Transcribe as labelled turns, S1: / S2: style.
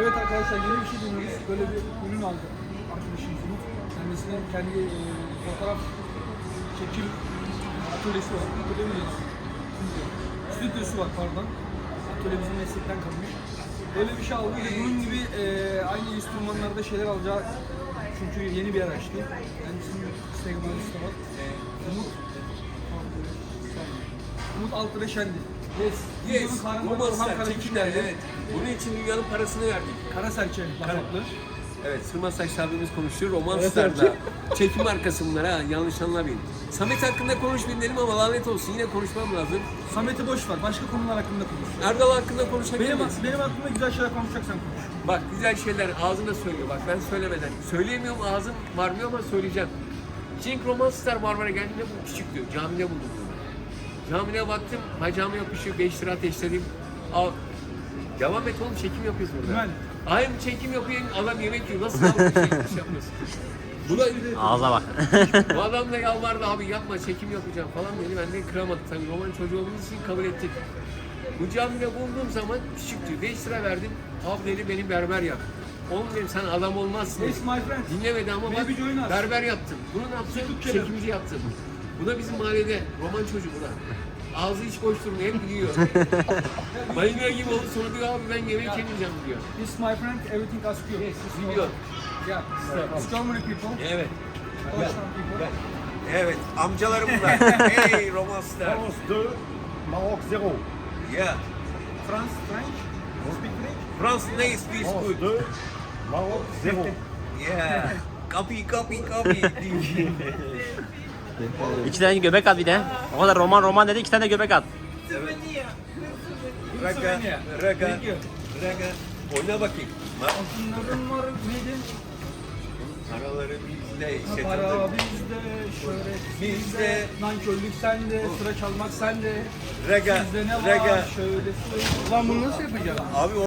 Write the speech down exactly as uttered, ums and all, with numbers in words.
S1: Evet arkadaşlar, yeni bir şey deniyoruz. Böyle bir ürün aldı arkadaşımız Umut. Kendisinin kendi e, fotoğraf çekim atölyesi var. Atölye mi deniyor? Stüdyosu var pardon. Atölyemizin meslekten kalmış. Böyle bir şey aldı ve bunun gibi e, aynı enstrümanlarda şeyler alacağı, çünkü yeni bir yer açtı. Kendisinin Instagram adresi de var. Umut Umut Altıre Şendi.
S2: Yes, yes. Roman Star
S1: Kara
S2: çekimler, evet. Bunun için dünyanın parasını verdik.
S1: Kara Serçe lakaplı.
S2: Evet, Sırma Saç abimiz konuşuyor. Roman Star'da çekim arkası bunlar ha, yanlış anlamayın. Samet hakkında konuşmayayım dedim ama lanet olsun, yine konuşmam lazım.
S1: Samet'i boş ver. Başka konular hakkında konuş.
S2: Erdal hakkında konuşabilir
S1: Benim,
S2: miyiz?
S1: benim aklımda güzel şeyler konuşacaksan konuş.
S2: Bak güzel şeyler ağzına söylüyor, bak ben söylemeden. Söyleyemiyorum, ağzım varmıyor ama söyleyeceğim. Cenk Roman Star Marmara geldiğinde bu küçük diyor, camide buldum bunu. Camine baktım, bacağıma yapışıyor, beş lira ateşledim. Al. Devam et oğlum, çekim yapıyoruz burada.
S1: Ben.
S2: Hayır çekim yapıyor, adam yemek yiyor. Nasıl abi bir şey, bir şey yapıyorsun? Bu da,
S3: Ağza bak.
S2: bu adam da yalvardı abi yapma çekim yapacağım falan dedi. Ben de kıramadım. Tabii roman çocuğu olduğumuz için kabul ettik. Bu camide bulduğum zaman küçüktü. beş lira verdim. Abi dedi beni berber yap. Oğlum dedim sen adam olmazsın.
S1: Yes my friend.
S2: Dinlemedi ama bak
S1: Maybe join us.
S2: berber yaptım. Bunu ne yaptım?
S1: Türkçe de.
S2: Çekimci yaptım. Bu da bizim mahallede roman çocuğu bu da. Ağzı hiç boş durmuyor, hep yiyor. Balina gibi oldu sonra diyor abi ben yemek yemeyeceğim diyor.
S1: Yes my friend, everything ask you.
S2: Yes, biliyor.
S1: Yeah, German people.
S2: Evet.
S1: Deutschland people.
S2: Evet, amcalarım bunlar. Hey Roman Star.
S4: France deux, Maroc zéro.
S2: Yeah.
S1: France, French. Speak French.
S2: France ne speaks
S4: France
S2: good.
S4: deux, Maroc zéro.
S2: Yeah. Copy, copy, copy.
S3: İki tane göbek at bir de. O kadar roman roman dedi, iki tane de göbek at.
S2: Raga, raga, raga. Oyna bakayım. Bak.
S1: Altınlarım var neydi?
S2: Paraları bizde, işte
S1: Para
S2: tanıdık.
S1: bizde, şöhret
S2: Bizde.
S1: bizde, nankörlük sende, sıra çalmak sende.
S2: Raga,
S1: Bizde ne var
S2: raga.
S1: şöyle söyle. Lan bunu nasıl yapacağım?
S2: Abi